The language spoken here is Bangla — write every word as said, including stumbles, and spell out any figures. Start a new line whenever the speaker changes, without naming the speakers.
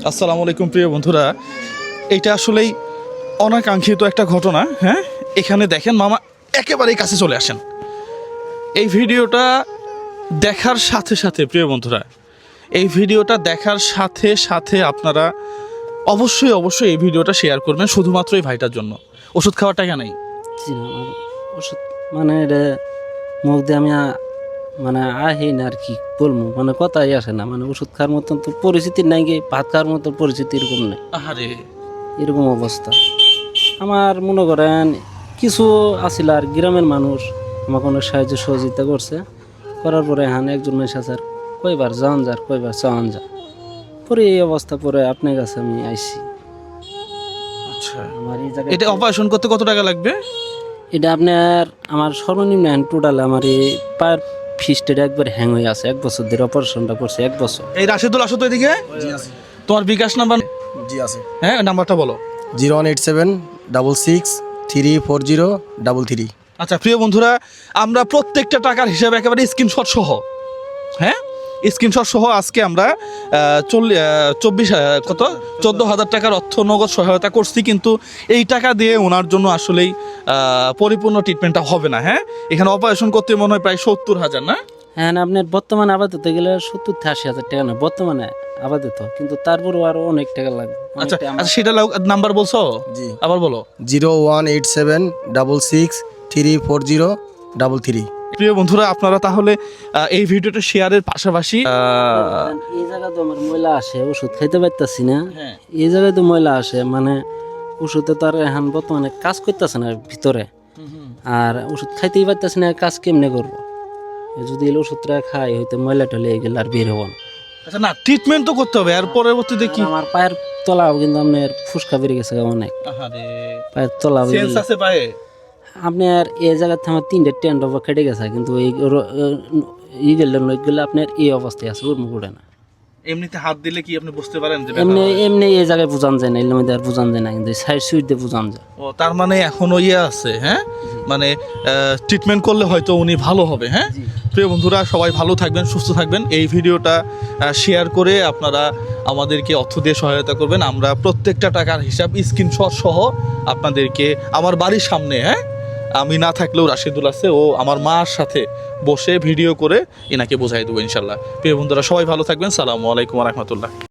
আসসালামু আলাইকুম প্রিয় বন্ধুরা, এইটা আসলেই অনাকাঙ্ক্ষিত একটা ঘটনা। হ্যাঁ, এখানে দেখেন মামা একেবারেই কাছে চলে আসেন। এই ভিডিওটা দেখার সাথে সাথে প্রিয় বন্ধুরা, এই ভিডিওটা দেখার সাথে সাথে আপনারা অবশ্যই অবশ্যই এই ভিডিওটা শেয়ার করবেন শুধুমাত্র এই ভাইটার জন্য। ওষুধ খাওয়ার টাকা নেই,
জি না, আমার ওষুধ মানে এটা মুখ দিয়ে আমি আ- মানে আহি না আর কি বলবো, মানে কথাই আসে না, মানে ওষুধ খাওয়ার মতন তো পরিস্থিতি নাই, গিয়ে ভাত খাওয়ার মতো পরিস্থিতি এরকম নেই,
আহারে
এরকম অবস্থা। আমার মনে করেন কিছু আসিল আর গ্রামের মানুষ আমাকে অনেক সাহায্য সহযোগিতা করছে, করার পরে হ্যাঁ একজন মানুষ আছে আর কয়বার যান যার কয়বার চাওয়ান যা, পরে এই অবস্থা পরে আপনার কাছে আমি আইছি।
আচ্ছা,
আমার এই জায়গায়
এটা অপারেশন করতে কত টাকা লাগবে?
এটা আপনার আমার সর্বনিম্ন টোটাল আমার এই পায়ের ফিস্টের একবার হ্যাং হয়ে আছে, এক বছর ধরে অপারেশনটা করছে, এক বছর।
এই রাশেদুল আসো তো এদিকে। তোমার বিকাশ নাম্বার?
জি আছে।
হ্যাঁ, নাম্বারটা বলো।
Zero one eight seven double six three four zero double three.
আচ্ছা প্রিয় বন্ধুরা, আমরা প্রত্যেকটা টাকার হিসাবে একেবারে স্ক্রিনশট সহ, হ্যাঁ স্ক্রিনশট সহ আজকে আমরা চল্লিশ চব্বিশ কত চোদ্দো হাজার টাকার অর্থ নগদ সহায়তা করছি, কিন্তু এই টাকা দিয়ে ওনার জন্য আসলেই আহ, পরিপূর্ণ ট্রিটমেন্টটা হবে না। হ্যাঁ, এখানে অপারেশন করতে মনে হয় প্রায় সত্তর হাজার না?
হ্যাঁ না, আপনার বর্তমানে আপাতত গেলে সত্তর থেকে আশি হাজার টাকা না বর্তমানে আপাতত, কিন্তু তারপরেও আরো অনেক টাকা লাগবে।
আচ্ছা
অনেকটা আমার-
আচ্ছা, সেটা নাম্বার বলছো?
জি।
আবার বলো।
Zero one eight seven double six three four zero double three.
প্রিয় বন্ধুরা, আপনারা তাহলে আহ, এই ভিডিওটা শেয়ারের পাশাপাশি আহ,
এই জায়গায় তো আমার ময়লা আসে, ওষুধ খাইতে পারতেছি না,
হ্যাঁ।
এই জায়গায় তো ময়লা আসে, মানে ওষুধে তো আর এখন বর্তমানে কাজ করতেছে না ভিতরে, আর ওষুধ খাইতেই পারতেছি না, কাজ কেমনে করবো? যদি এই ওষুধটা খাই হয়তো ময়লা টলে গেলে আর বের হবো না।
আচ্ছা না, ট্রিটমেন্ট তো করতে হবে, আর পরবর্তীতে কি?
আর আমার পায়ের তলাও কিন্তু আপনার ফুসকা বেরিয়ে গেছে অনেক,
আহারে,
পায়ের তলা
সেন্স আছে পায়ে?
আপনার এই জায়গাতে আমার তিনটে টেন্ট ওভার কেটে গেছে, কিন্তু এই ই গেলে গেলে আপনার এই অবস্থায় আছে, উর্মু করে না।
এমনিতে হাত দিলে কি আপনি বুঝতে পারেন যে
এমনি
ব্যথা হয়?
এমনি এই জায়গায় বুঝান যায় না, এর মধ্যে আর বুঝান যায় না, কিন্তু সাইড সুইট দিয়ে বুঝান যায়।
ও তার মানে এখনো ইয়ে আছে। হ্যাঁ, মানে ট্রিটমেন্ট করলে হয়তো উনি ভালো হবে। হ্যাঁ, প্রিয় বন্ধুরা, সবাই ভালো থাকবেন, সুস্থ থাকবেন। এই ভিডিওটা শেয়ার করে আপনারা আমাদেরকে অর্থ দিয়ে সহায়তা করবেন। আমরা প্রত্যেকটা টাকার হিসাব স্ক্রিনশট সহ আপনাদেরকে আমার বাড়ির সামনে, হ্যাঁ আমি না থাকলেও রাশেদুল আছে, ও আমার মার সাথে বসে ভিডিও করে এনাকে বোঝাই দেবো ইনশাল্লাহ। প্রিয় বন্ধুরা, সবাই ভালো থাকবেন। সালামু আলাইকুম রহমতুল্লাহ।